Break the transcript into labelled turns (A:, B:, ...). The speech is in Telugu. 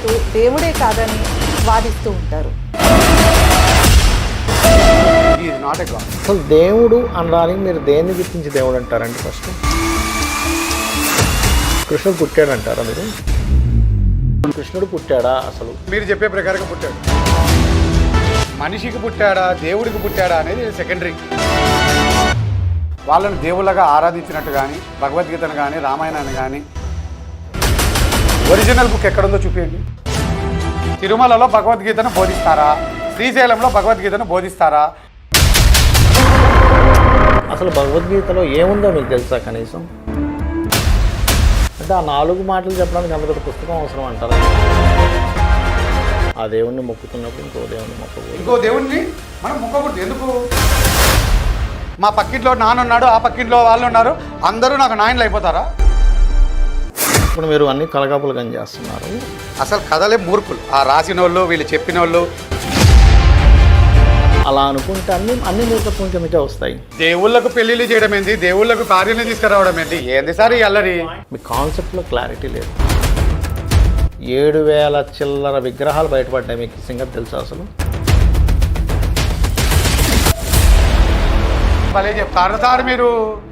A: దేవుడే కాదని వాదిస్తూ ఉంటారు.
B: అసలు దేవుడు అనడానికి మీరు దేన్ని గుర్తించి దేవుడు అంటారండి? ఫస్ట్ కృష్ణుడు పుట్టాడంటారా మీరు? కృష్ణుడు పుట్టాడా? అసలు
C: మీరు చెప్పే ప్రకారంగా పుట్టాడు. మనిషికి పుట్టాడా దేవుడికి పుట్టాడా అనేది సెకండరీ. వాళ్ళని దేవుళ్ళగా ఆరాధించినట్టు కానీ భగవద్గీతను కానీ రామాయణాన్ని కానీ ఒరిజినల్ బుక్ ఎక్కడుందో చూపించండి. తిరుమలలో భగవద్గీతను బోధిస్తారా? శ్రీశైలంలో భగవద్గీతను బోధిస్తారా?
B: అసలు భగవద్గీతలో ఏముందో మీకు తెలుసా కనీసం? అంటే ఆ 4 మాటలు చెప్పడానికి అంత పుస్తకం అవసరం అంటారా? ఆ దేవుణ్ణి మొక్కుతున్నప్పుడు ఇంకో దేవుణ్ణి మొక్కకూడదు.
C: ఇంకో దేవుణ్ణి మనం మొక్కకూడదు. ఎందుకు? మా పక్కింట్లో నాన్న ఉన్నాడు, ఆ పక్కింట్లో వాళ్ళు ఉన్నారు, అందరూ నాకు నాయనలు అయిపోతారా?
B: ఇప్పుడు మీరు అన్ని కలగాపులు కానీ చేస్తున్నారు.
C: అసలు కథలే మూర్ఖులు. ఆ రాసిన వాళ్ళు, వీళ్ళు చెప్పిన వాళ్ళు.
B: అలా అనుకుంటే అన్ని మూర్ఖత్వం కిందకే వస్తాయి.
C: దేవుళ్ళకు పెళ్లిళ్ళు చేయడం ఏంటి? దేవుళ్ళకు కార్యాలను తీసుకురావడం ఏంటి? ఏంది సార్ ఈ అల్లరి?
B: మీ కాన్సెప్ట్లో క్లారిటీ లేదు. 7,000 చిల్లర విగ్రహాలు బయటపడ్డాయి. మీకు ఈ సంగతి తెలుసా? అసలు
C: భలే చెప్తారు సార్ మీరు.